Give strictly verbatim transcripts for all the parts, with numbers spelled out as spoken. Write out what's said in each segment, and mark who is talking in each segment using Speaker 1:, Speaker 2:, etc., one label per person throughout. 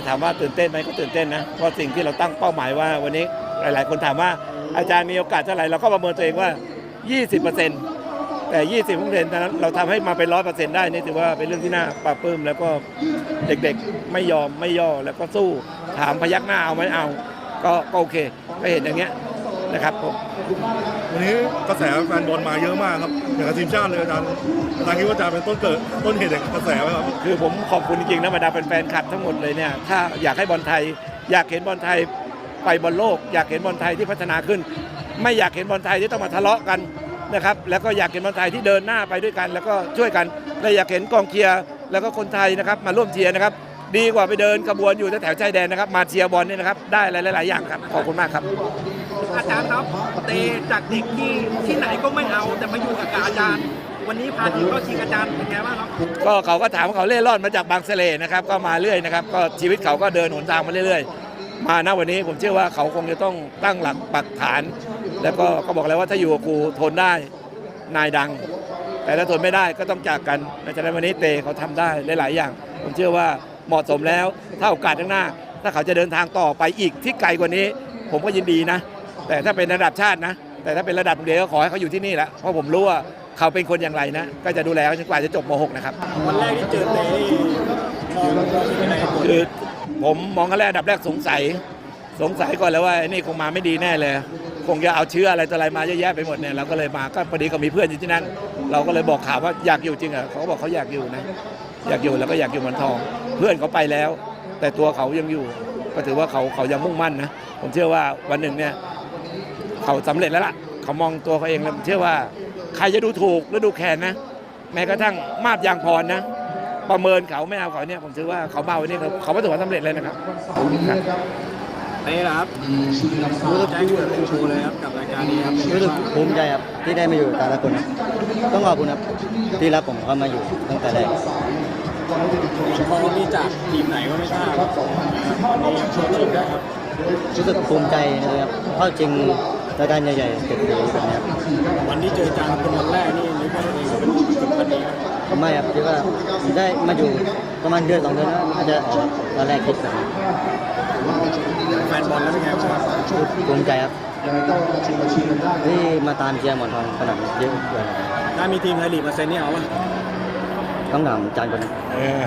Speaker 1: ถามว่าตื่นเต้นไหมก็ตื่นเต้นนะเพราะสิ่งที่เราตั้งเป้าหมายว่าวันนี้หลายๆคนถามว่าอาจารย์มีโอกาสเท่าไหร่เราก็ประเมินตัวเองว่า ยี่สิบเปอร์เซ็นต์ แต่ ยี่สิบเปอร์เซ็นต์ นั้นเราทำให้มาเป็น หนึ่งร้อยเปอร์เซ็นต์ ได้นี่ถือว่าเป็นเรื่องที่น่าปลาบปลื้มแล้วก็เด็กๆไม่ยอมไม่ย่อแล้วก็สู้ถามพยักหน้าเอาไหมเอาก็โอเคก็เห็นอย่างเงี้ยนะครับผม
Speaker 2: วันนี้กระแสแฟนบอลมาเยอะมากครับอย่างกับทีมชาติเลยอาจารย์อาจารย์คิดว่าอาจารย์เป็นต้นเกิดต้นเหตุแห่งกระแสไหมครับ
Speaker 1: คือผมขอบคุณจริงๆนะบรรดาแฟนๆคลับทั้งหมดเลยเนี่ยถ้าอยากให้บอลไทยอยากเห็นบอลไทยไปบอลโลกอยากเห็นบอลไทยที่พัฒนาขึ้นไม่อยากเห็นบอลไทยที่ต้องมาทะเลาะกันนะครับแล้วก็อยากเห็นบอลไทยที่เดินหน้าไปด้วยกันแล้วก็ช่วยกันและอยากเห็นกองเชียร์แล้วก็คนไทยนะครับมาร่วมเชียร์นะครับดีกว่าไปเดินขบวนอยู่แถวชายแดนนะครับมาเชียร์บอลเนี่ยนะครับได้หลายๆอย่างครับขอบคุณมากครับ
Speaker 3: อาจารย์ครับเตจากเด็กที่ที่ไหนก็ไม่เอาแต่มาอยู่กับอาจารย์วันนี้พาทีมเข้าชิงอาจารย์เป็นไงบ้างครับ
Speaker 1: ก็เขาก็ถามเขาเล่ร่อนมาจากบางเสร่นะครับก็มาเรื่อยนะครับก็ชีวิตเขาก็เดินหนทางมาเรื่อยๆมาณวันนี้ผมเชื่อว่าเขาคงจะต้องตั้งหลักปักฐานแล้วก็ก็บอกแล้วว่าถ้าอยู่กับครูทนได้นายดังแต่ถ้าทนไม่ได้ก็ต้องจากกันในฉะนั้นวันนี้เตเขาทำได้หลายๆอย่างผมเชื่อว่าเหมาะสมแล้วถ้าโอกาสข้างหน้าถ้าเขาจะเดินทางต่อไปอีกที่ไกลกว่านี้ผมก็ยินดีนะแต่ถ้าเป็นระดับชาตินะแต่ถ้าเป็นระดับโรงเรียนก็ขอให้เขาอยู่ที่นี่แหละเพราะผมรู้ว่าเขาเป็นคนอย่างไรนะก็จะดูแลเขาจนกว่าจะจบม หก นะครับ
Speaker 3: วันแรกที่เจอเตมองยังไง
Speaker 1: คือผมมองกันแรกอันดับแรกสงสัยสงสัยก่อนแล้วว่านี่คงมาไม่ดีแน่เลยคงจะเอาเชื้ออะไรต่ออะไรมาเยอะแยะไปหมดเนี่ยเราก็เลยมาก็พอดีก็มีเพื่อนอยู่ที่นั่นเราก็เลยบอกข่าวว่าอยากอยู่จริงอ่ะเขาก็บอกเขาอยากอยู่นะอยากอยู่แล้วก็อยากอยู่หมอนทองเพื่อนเขาไปแล้วแต่ตัวเขายังอยู่ก็ถือว่าเขาเขายังมุ่งมั่นนะผมเชื่อว่าวันหนึ่งเนี่ยเขาสำเร็จแล้วล่ะเขามองตัวเขาเองแล้วผมเชื่อว่าใครจะดูถูกหรือดูแคลนนะแม้กระทั่งมาบยางพรนะประเมินเขาไม่เอาเขาเนี่ยผมเชื่อว่าเขาเบาวันนี้เขาประสบความสำเร็จเลยนะครับ
Speaker 3: นี่ครับรู้สึกแจ้งเกิดเป็นชูเลยครับกับรายการนี้ครับ
Speaker 4: รู้สึกภูมิใจครับที่ได้มาอยู่แต่ละคนครับต้องขอบคุณครับที่รับผมเข้ามาอยู่ตั้งแต่แรก
Speaker 3: พอมีจากทีมไหนก็ไม่ทราบครับวันนี้ช่วยทีมได้ครับ
Speaker 4: รู้สึกภูมิใจเลยครับเข้าจริงรายการใหญ่ๆเกิดขึ้นแบบนี้
Speaker 3: วันที่เจอจางเป็นวันแรกนี่นึกว่าตัวเองเป็นจุดพันนี้
Speaker 4: ไม่ครับคิดว่าได้มาอยู่ประมาณเดือนสองเดือนแล้วอาจจะตอนแรกคิดแบบ
Speaker 3: แฟนบอลแล้วเป็นไงบ้าง
Speaker 4: ภูมิใจครับที่มาตามเชียร์หมอนทองขนาดเยอะเลย
Speaker 3: ถ้ามีทีมไทยลีกมาเซ็นนี่เอาป่ะ
Speaker 4: ต้องถามจานคนนั้น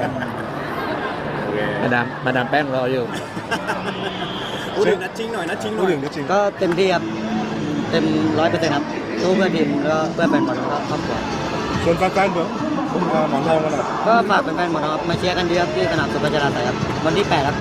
Speaker 1: มาดามมาดามแป้งรออยู่
Speaker 3: พูดถึงนัดชิงหน่อยนัดชิงหน่อย
Speaker 4: ก็เต็มที่ครับเต็มร้อยเปอร์เซ็นต์ครับสู้เพื่อทีมแล้วเพื่อแฟนบอลแล้วก็ครอบครัว
Speaker 2: ส่วนแฟนๆเหมือนหมอนทองกันนะ
Speaker 4: ก็ฝากแฟนๆหมอนทองมาเชียร์กันดีครับที่สนามสุพัชราไสยครับวันที่แปดครับ